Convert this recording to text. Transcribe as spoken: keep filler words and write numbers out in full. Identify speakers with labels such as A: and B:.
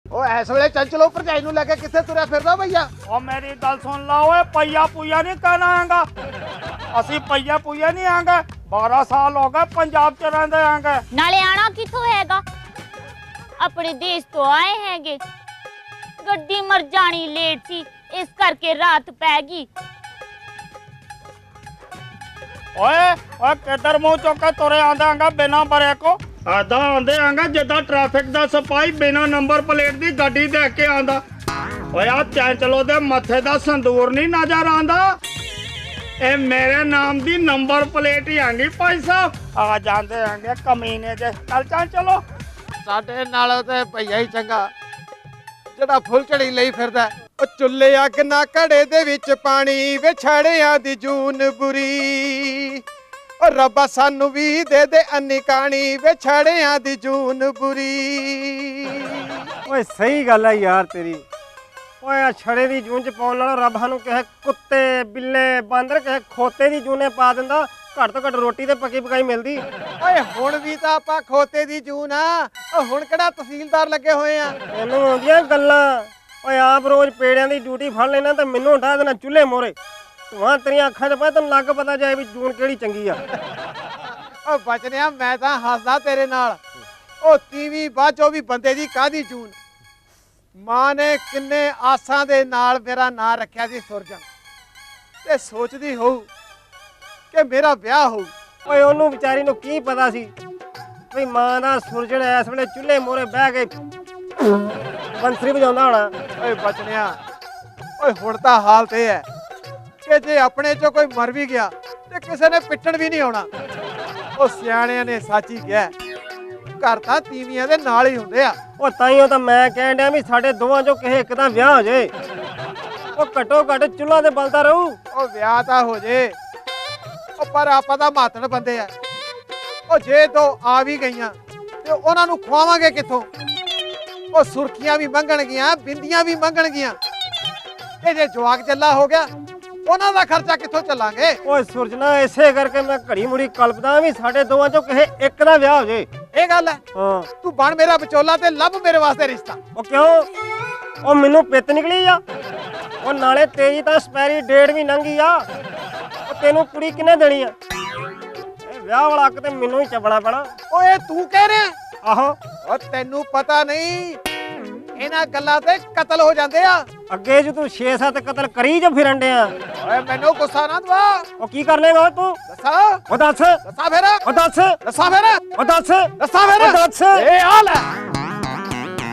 A: ਉਹ ਇਸ ਵੇਲੇ ਚੰਚਲੋ ਭਰਜਾਈ ਨੂੰ ਲੈ ਕੇ ਕਿੱਥੇ ਤੁਰਿਆ ਫਿਰਦਾ ਭਈਆ?
B: ਉਹ ਮੇਰੀ ਗੱਲ ਸੁਣ ਲਾ ਓਏ, ਪਈਆ ਪੂਆ ਨਹੀਂ ਕਹਿਣਾ ਆਂਗਾ। ਅਸੀਂ ਪਈਆ ਪੂਆ ਨਹੀਂ ਆਂਗਾ। बारह साल हो गए पंजाब च रहंदे आंगे।
C: नाले आना किथों हैगा? अपने देश तो आए हैगे। गड्डी मर जानी लेट सी, इस करके रात पैगी।
B: ओए ओए किधर मुंह चुक के तुरे आंदे आंगा बिना बरे को? आदा आंदे आंगा जिद्दां ट्रैफिक दा सिपाही बिना नंबर प्लेट दी गड्डी देख के आंदा। ओए आ चंचलो दे मथे दा संदूर नहीं नजर आंदा? ए मेरे नाम दी नंबर प्लेट ही आंगी भाई साहब। आ जांदे आंगे कमीने दे। चल चल चलो।
A: ਸਾਡੇ ਨਾਲੋਂ ਤੇ ਭਈਆ ਹੀ ਚੰਗਾ ਜਿਹੜਾ ਫੁੱਲ ਝੜੀ ਲਈ ਫਿਰਦਾ। ਉਹ ਚੁੱਲ੍ਹੇ ਅੱਗ ਨਾ ਘੜੇ ਦੇ ਵਿੱਚ ਪਾਣੀ ਵਿਛੜਿਆਂ ਦੀ ਜੂਨ ਬੁਰੀ। ਉਹ ਰੱਬਾ ਸਾਨੂੰ ਵੀ ਦੇ ਦੇ ਅੰਨੀ ਕਾਣੀ ਵਿਛੜਿਆਂ ਦੀ ਜੂਨ ਬੁਰੀ।
D: ਓਏ ਸਹੀ ਗੱਲ ਹੈ ਯਾਰ ਤੇਰੀ। ਓਏ ਆ ਛੜੇ ਦੀ ਜੂਨ ਚ ਪਾਉਣ ਨਾਲੋਂ ਰੱਬ ਸਾਨੂੰ ਕਿਸੇ ਕੁੱਤੇ ਬਿੱਲੇ ਬਾਂਦਰ ਕਿਸੇ ਖੋਤੇ ਦੀ ਜੂਨੇ ਪਾ ਦਿੰਦਾ, ਘੱਟ ਤੋਂ ਘੱਟ ਰੋਟੀ ਤੇ ਪੱਕੀ ਪਕਾਈ ਮਿਲਦੀ।
A: ਓਏ ਹੁਣ ਵੀ ਤਾਂ ਆਪਾਂ ਖੋਤੇ ਦੀ ਜੂਨ ਆ। ਉਹ ਹੁਣ ਕਿਹੜਾ ਤਹਿਸੀਲਦਾਰ ਲੱਗੇ ਹੋਏ ਆ?
D: ਇਹਨੂੰ ਆਉਂਦੀਆਂ ਗੱਲਾਂ। ਓਏ ਆਪ ਰੋਜ਼ ਪੇੜਿਆਂ ਦੀ ਡਿਊਟੀ ਫੜ ਲੈਣਾ ਤੇ ਮੈਨੂੰ ਉਠਾ ਦੇਣਾ ਚੁੱਲ੍ਹੇ ਮੋਰੇ। ਧੂਆਂ ਤੇਰੀਆਂ ਅੱਖਾਂ 'ਚ ਪਾ ਤੈਨੂੰ ਲੱਗ ਪਤਾ ਜਾਏ ਵੀ ਜੂਨ ਕਿਹੜੀ ਚੰਗੀ ਆ।
A: ਓ ਬਚਨਿਆ ਮੈਂ ਤਾਂ ਹੱਸਦਾ ਤੇਰੇ ਨਾਲ। ਉਹ ਤੀਵੀਂ ਬਾਝੋ ਵੀ ਬੰਦੇ ਦੀ ਕਾਹਦੀ ਜੂਨ। ਮਾਂ ਨੇ ਕਿੰਨੇ ਆਸਾਂ ਦੇ ਨਾਲ ਮੇਰਾ ਨਾਂ ਰੱਖਿਆ ਸੀ ਸੁਰਜਣ, ਤੇ ਸੋਚਦੀ ਹੋਊ ਕਿ ਮੇਰਾ ਵਿਆਹ ਹੋਊ।
D: ਓਏ ਉਹਨੂੰ ਵਿਚਾਰੀ ਨੂੰ ਕੀ ਪਤਾ ਸੀ ਵੀ ਮਾਂ ਦਾ ਸੁਰਜਣ ਇਸ ਵੇਲੇ ਚੁੱਲ੍ਹੇ ਮੋਰੇ ਬਹਿ ਕੇ ਬੰਸਰੀ ਵਜਾਉਂਦਾ ਹੋਣਾ।
A: ਓਏ ਬਚਨਿਆ, ਓਏ ਹੁਣ ਤਾਂ ਹਾਲਤ ਇਹ ਹੈ ਕਿ ਜੇ ਆਪਣੇ ਚੋਂ ਕੋਈ ਮਰ ਵੀ ਗਿਆ ਤੇ ਕਿਸੇ ਨੇ ਪਿੱਟਣ ਵੀ ਨਹੀਂ ਆਉਣਾ। ਉਹ ਸਿਆਣਿਆਂ ਨੇ ਸੱਚ ਹੀ ਕਿਹਾ, ਘਰ ਤਾਂ ਤੀਵੀਆਂ ਦੇ ਨਾਲ ਹੀ ਹੁੰਦੇ ਆ।
D: ਉਹ ਤਾਈਓ ਤਾਂ ਮੈਂ ਕਹਿਣ ਡਿਆ ਵੀ ਸਾਡੇ ਦੋਵਾਂ ਚੋਂ ਕਿਸੇ ਇੱਕ ਦਾ ਵਿਆਹ ਹੋ ਜਾਏ। ਉਹ ਘੱਟੋ ਘੱਟ ਚੁੱਲ੍ਹਾ ਤੇ ਬਲਦਾ ਰਹੂ।
A: ਉਹ ਵਿਆਹ ਤਾਂ ਹੋ ਜੇ, ਉਹ ਪਰ ਆਪਾਂ ਤਾਂ ਮਾਤੜ ਬੰਦੇ ਆ। ਉਹ ਜੇ ਦੋ ਆ ਵੀ ਗਈਆਂ ਤੇ ਉਹਨਾਂ ਨੂੰ ਖਵਾਵਾਂਗੇ ਕਿੱਥੋਂ? ਉਹ ਸੁਰਖੀਆਂ ਵੀ ਮੰਗਣਗੀਆਂ, ਬਿੰਦੀਆਂ ਵੀ ਮੰਗਣਗੀਆਂ। ਤੇ ਜੇ ਜਵਾਕ ਚੱਲਾ ਹੋ ਗਿਆ ਉਹਨਾਂ ਦਾ ਖਰਚਾ ਕਿੱਥੋਂ ਚੱਲਾਂਗੇ?
D: ਓਏ ਸੁਰਜਣਾ, ਇਸੇ ਕਰਕੇ ਮੈਂ ਘੜੀ ਮੁੜੀ ਕਲਪਦਾ ਵੀ ਸਾਡੇ ਦੋਵਾਂ ਚੋਂ ਕਿਸੇ ਇੱਕ ਦਾ ਵਿਆਹ ਹੋ ਜੇ।
A: ਇਹ ਗੱਲ ਹੈ।
D: ਹਾਂ
A: ਤੂੰ ਬਣ ਮੇਰਾ ਵਿਚੋਲਾ ਤੇ ਲੱਭ ਮੇਰੇ ਵਾਸਤੇ ਰਿਸ਼ਤਾ।
D: ਉਹ ਕਿਉਂ? ਉਹ ਮੈਨੂੰ ਪਿੱਤ ਨਿਕਲੀ ਆ। ਉਹ ਨਾਲੇ ਤੇਰੀ ਤਾਂ ਐਕਸਪਾਇਰੀ ਡੇਟ ਵੀ ਲੰਘੀ ਆ। ਉਹ ਤੈਨੂੰ ਕੁੜੀ ਕਿੰਨੇ ਦੇਣੀ ਆ? ਇਹ ਵਿਆਹ ਵਾਲਾ ਹੱਕ ਤੇ ਮੈਨੂੰ ਹੀ ਚੱਬਣਾ ਪੈਣਾ।
A: ਓਏ ਤੂੰ ਕਹਿ ਰਿਹਾ?
D: ਆਹੋ।
A: ਉਹ ਤੈਨੂੰ ਪਤਾ ਨਹੀਂ ਇਹਨਾਂ ਗੱਲਾਂ ਤੇ ਕਤਲ ਹੋ ਜਾਂਦੇ ਆ।
D: ਅੱਗੇ ਜੇ ਤੂੰ ਛੇ ਸੱਤ ਕਤਲ ਕਰੀ ਜੋ ਫਿਰਨ ਡਿਆ।
A: ਓਏ ਮੈਨੂੰ ਗੁੱਸਾ ਨਾ ਦਵਾ।
D: ਉਹ ਕੀ ਕਰ ਲੇਗਾ ਤੂੰ?
A: ਦੱਸਾ
D: ਉਹ ਦੱਸ।
A: ਦੱਸਾ ਫੇਰ
D: ਉਹ ਦੱਸ।
A: ਦੱਸਾ ਫੇਰ
D: ਉਹ ਦੱਸ।
A: ਦੱਸਾ ਫੇਰ
D: ਉਹ ਦੱਸ।
A: ਇਹ ਹਾਲ ਹੈ।